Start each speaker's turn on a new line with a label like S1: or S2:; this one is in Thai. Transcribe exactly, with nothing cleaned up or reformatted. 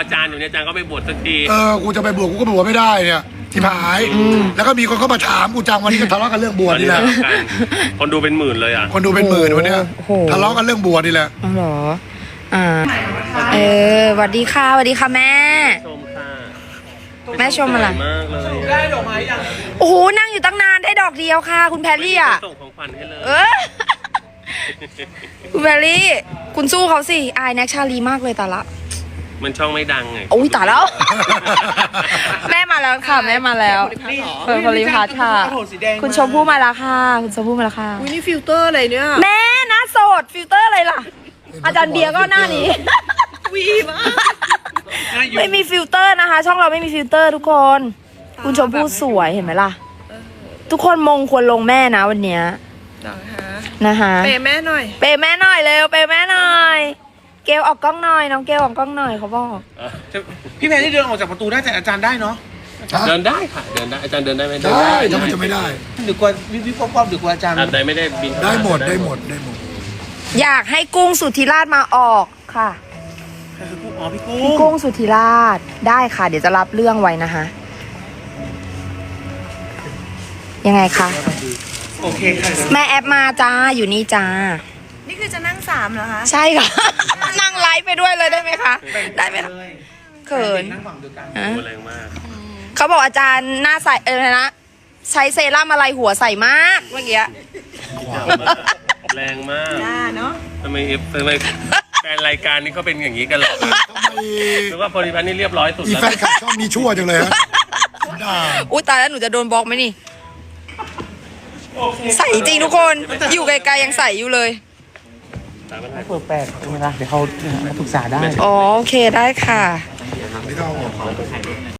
S1: อาจารย์อยู่เนี่ยอาจารย์ก็ไม่บวชสักที
S2: เออกูจะไปบวชกูก็บวชไม่ได้เนี่ยที่หายแล้วก็มีคนเข้ามาถามกูจังวันนี้ก็ทะเลาะกันเรื่องบวชนี่แหละ
S1: คนดูเป็นหมื่นเลยอ่ะ
S2: คนดูเป็นหมื่นวันเนี้ย
S3: โอ้โห
S2: ทะเลาะกันเรื่องบวชนี่แหละ
S3: อ๋อเหรออ่าเออสวัสดีค่ะสวัสดีค่ะแม่
S1: ชมค่ะ
S3: แม่ชมอะไร
S1: สวยมากเลย
S4: ได้ดอกไม้ยัง
S3: โอ้โหนั่งอยู่ตั้งนานได้ดอกเดียวค่ะ คุณแพรรี่อ่ะ
S1: ส่งของขวัญให้เลย
S3: เออ คุณแพรรี่ คุณสู้เขาสิอายแน็กชาลีมากเลยแต่ละ
S1: มันช่องไม่ดังไง
S3: โอ้ยตายแล้ว แม่มาแล้วค่ะ แม่มาแล้วเปิดพลิพัทค่ะ คุณชมพู่มาแล้วค่ะ คุณชมพู่มาแล้วค่ะ
S4: อุ้ยนี่ฟิลเตอร์อะไรเนี่ย
S3: แม่หน้าโสดฟิลเตอร์อะไรล่ะ อาจารย์เบียร์ก็หน้านี้
S4: วีมาก
S3: ไม่มีฟิลเตอร์นะคะ ช่องเราไม่มีฟิลเตอร์ทุกคน คุณชมพู่สวยเห็นไหมล่ะ ทุกคนมงควรลงแม่นะวันเนี้ย
S4: นะคะ
S3: นะคะ
S4: เปย์แม่หน่อย
S3: เปย์แม่หน่อยเร็วเปย์แม่หน่อย เกลออกกล้องหน่อยน้องเกลออกกล้องหน่อยเขาบอก
S5: พี่แพรที่เดินออกจากประตูได้แต่อาจารย์ได้เนาะ
S1: เดินได้ค่ะเดินได้อาจารย์เดินได้ไหม
S2: ได้ทำไมจะไม่ได้
S5: หรือกว่าวิบวิบป๊อปๆหรือกว่าอาจารย์
S1: อาจารย์ไม่ได้บิน
S2: ได้หมดได้หมดได้หมด
S3: อยากให้กุ้งสุธิราชมาออกค่ะ
S5: อ๋อพี่กุ้
S3: พี่
S5: ง
S3: กุ้งสุธิราชได้ค่ะ เดี๋ยวจะรับเรื่องไว้นะคะ ยังไงคะ
S5: โอเคค่ะ
S3: แม่แอปมาจ้าอยู่นี่จ้า
S4: นี่คือจะนั่งสามเหรอคะ
S3: ใช่ค่ะ นั่งไลฟ์ไปด้วยเลยได้ไหมคะ ได้ไหมคะเขิน
S5: นั่งฝั่งเดียวกัน
S3: ฮะ
S1: แรงมาก
S3: เขาบอกอาจารย์หน้าใสเออนะ ใช้เซรั่มอะไรหัวใสมากเมื่อกี้
S1: แรงมาก
S4: จ้าเนาะ
S1: ทำไมเอฟทำไมแฟนรายการนี้เขาเป็นอย่างนี้กันเหรอ
S2: ทำไม
S1: หรือว่าโพลิพัทนี่เรียบร้อยสุด
S2: อี
S1: แล้ว
S2: แฟนคลับชอบมีชั่วจังเลยฮะด่า
S3: อุ้ยตายแล้วหนูจะโดนบล็อกไหมนี่ ใส่จริงทุกคน อยู่ไกลๆยังใส่อยู่เลย
S5: ให้เปิดแปลกใช่ไหมล่ะเดี๋ยวเขาเขาปรึกษาได้
S3: อ๋อโอเคได้ค่ะ
S2: ไม่ต้องเอาออก